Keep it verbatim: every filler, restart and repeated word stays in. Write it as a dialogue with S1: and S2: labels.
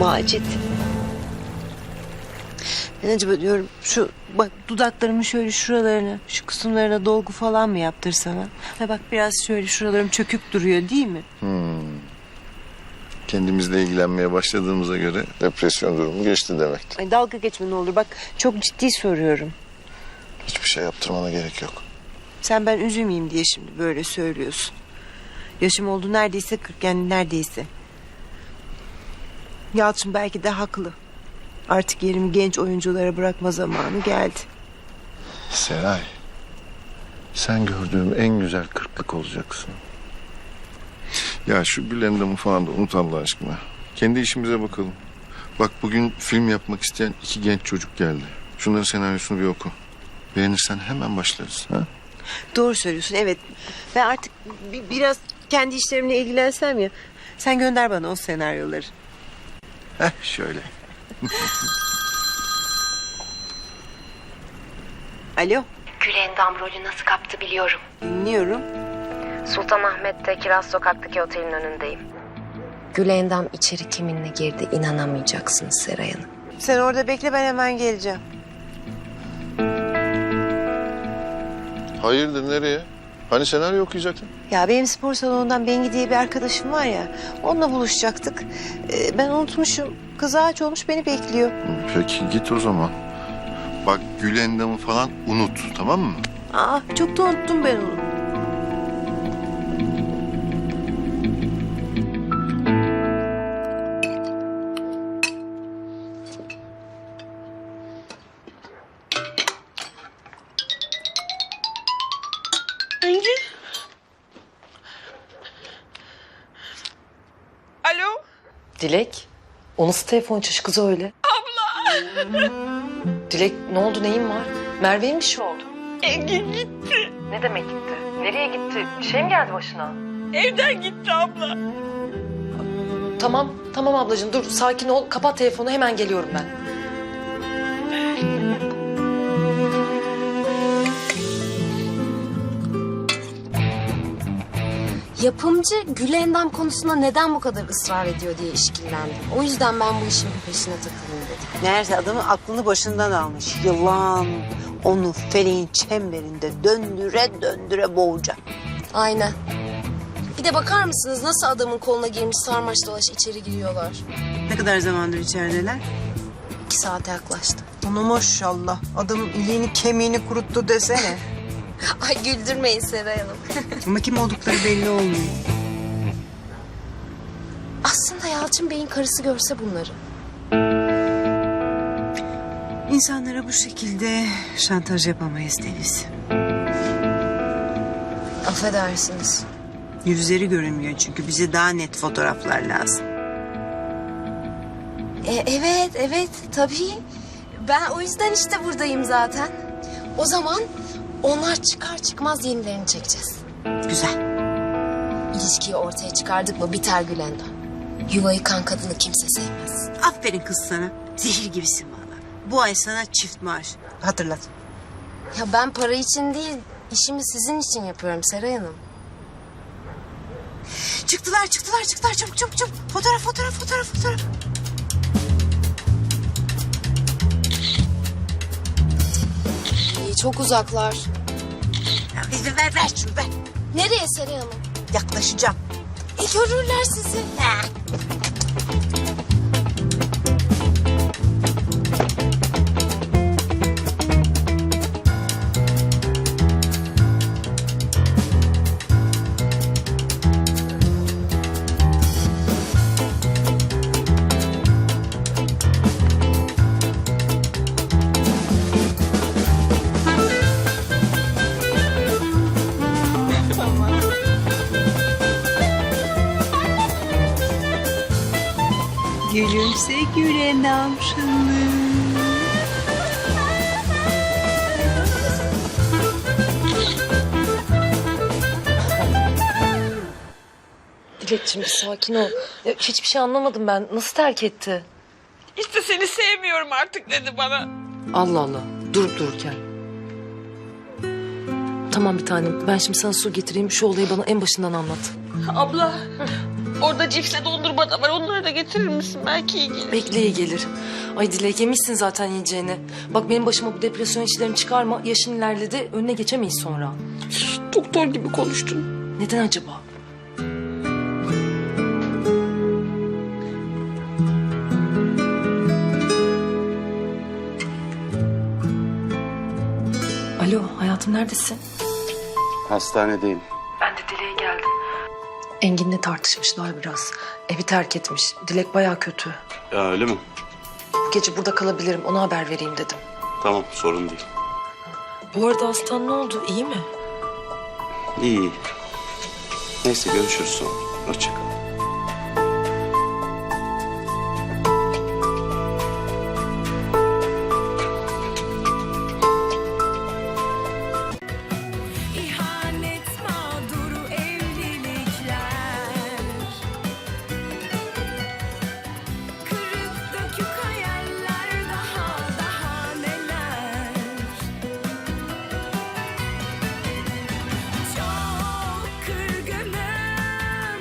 S1: Macit. Ben acaba diyorum şu bak dudaklarımın şöyle şuralarına, şu kısımlarına dolgu falan mı yaptırsam ha? Ha bak biraz şöyle şuralarım çökük duruyor değil mi?
S2: Hmm. Kendimizle ilgilenmeye başladığımıza göre depresyon durumu geçti demektir.
S1: Ay dalga geçme ne olur bak çok ciddi soruyorum.
S2: Hiçbir şey yaptırmana gerek yok.
S1: Sen ben üzülmeyeyim diye şimdi böyle söylüyorsun. Yaşım oldu neredeyse kırk yani neredeyse. Yalçın belki de haklı. Artık yerimi genç oyunculara bırakma zamanı geldi.
S2: Seray, sen gördüğüm en güzel kırklık olacaksın. Ya şu Gülendam'ı falan da unut Allah aşkına. Kendi işimize bakalım. Bak bugün film yapmak isteyen iki genç çocuk geldi. Şunların senaryosunu bir oku. Beğenirsen hemen başlarız. Ha?
S1: Doğru söylüyorsun evet. Ben artık bi- biraz kendi işlerimle ilgilensem ya. Sen gönder bana o senaryoları.
S2: Heh şöyle.
S1: Alo.
S3: Gülendam rolü nasıl kaptı biliyorum.
S1: Dinliyorum.
S3: Sultanahmet'te Kiraz Sokak'taki otelin önündeyim. Gülendam içeri kiminle girdi inanamayacaksınız Seray Hanım.
S1: Sen orada bekle ben hemen geleceğim.
S2: Hayırdır nereye? Hani senaryo okuyacaktın?
S1: Ya benim spor salonundan Bengi diye bir arkadaşım var ya. Onunla buluşacaktık. Ee, ben unutmuşum. Kız ağaç olmuş beni bekliyor.
S2: Peki git o zaman. Bak Gülendam'ı falan unut tamam mı?
S1: Aa çok da unuttum ben onu.
S4: Bengi? Alo?
S5: Dilek, o nasıl telefon açış kızı öyle?
S4: Abla!
S5: Dilek ne oldu neyin var? Merve'ye mi bir şey oldu?
S4: Engin gitti.
S5: Ne demek gitti? Nereye gitti? Bir şey mi geldi başına?
S4: Evden gitti abla.
S5: Tamam, tamam ablacığım dur sakin ol. Kapat telefonu hemen geliyorum ben.
S6: Yapımcı Gülendam konusunda neden bu kadar ısrar ediyor diye işkillendim. O yüzden ben bu işin bir peşine takılayım dedim.
S1: Meğerse adamın aklını başından almış. Yılan onu feleğin çemberinde döndüre döndüre boğacak.
S6: Aynen. Bir de bakar mısınız nasıl adamın koluna girmiş sarmaş dolaş içeri giriyorlar.
S1: Ne kadar zamandır içerideler?
S6: İki saate yaklaştı.
S1: Onu maşallah. Adamın iliğini kemiğini kuruttu desene.
S6: Ay güldürmeyin Seray Hanım.
S1: Ama kim oldukları belli olmuyor.
S6: Aslında Yalçın Bey'in karısı görse bunları.
S1: İnsanlara bu şekilde şantaj yapamayız Deniz.
S6: Affedersiniz.
S1: Yüzleri görünmüyor çünkü bize daha net fotoğraflar lazım.
S6: E, evet, evet tabii. Ben o yüzden işte buradayım zaten. O zaman onlar çıkar çıkmaz yenilerini çekeceğiz.
S1: Güzel.
S6: İlişkiyi ortaya çıkardık mı biter Gülendam. Yuva yıkan kadını kimse sevmez.
S1: Aferin kız sana. Zehir gibisin valla. Bu ay sana çift maaş. Hatırlat.
S6: Ya ben para için değil, işimi sizin için yapıyorum Seray Hanım.
S1: Çıktılar çıktılar çıktılar çabuk çabuk çabuk. Fotoğraf fotoğraf fotoğraf fotoğraf.
S6: İyi, çok uzaklar.
S1: Ya, ver, ver ver şunu ver.
S6: Nereye Seray Hanım?
S1: Yaklaşacağım.
S6: E görürler sizi.
S1: Gülümse Gülendam şınlı.
S5: Dilekçim bir sakin ol. Ya, hiçbir şey anlamadım ben. Nasıl terk etti?
S4: İşte seni sevmiyorum artık dedi bana.
S5: Allah Allah. Durup dururken. Tamam bir tanem. Ben şimdi sana su getireyim. Şu olayı bana en başından anlat.
S4: Abla Orada cipsle dondurma da var. Onları da getirir misin? Belki iyi gelir.
S5: Bekle iyi gelir. Ay Dilek yemişsin zaten yiyeceğini. Bak benim başıma bu depresyon işlerini çıkarma. Yaşın ilerledi önüne geçemeyiz sonra.
S4: Doktor gibi konuştun.
S5: Neden acaba? Alo hayatım neredesin?
S7: Hastanedeyim.
S5: Ben de Dilek'e geldim. Engin'le tartışmışlar biraz. Evi terk etmiş. Dilek baya kötü.
S7: Ya öyle mi?
S5: Bu gece burada kalabilirim. Ona haber vereyim dedim.
S7: Tamam, sorun değil.
S5: Bu arada hastan ne oldu? İyi mi?
S7: İyi iyi. Neyse görüşürüz sonra. Hoşça kal.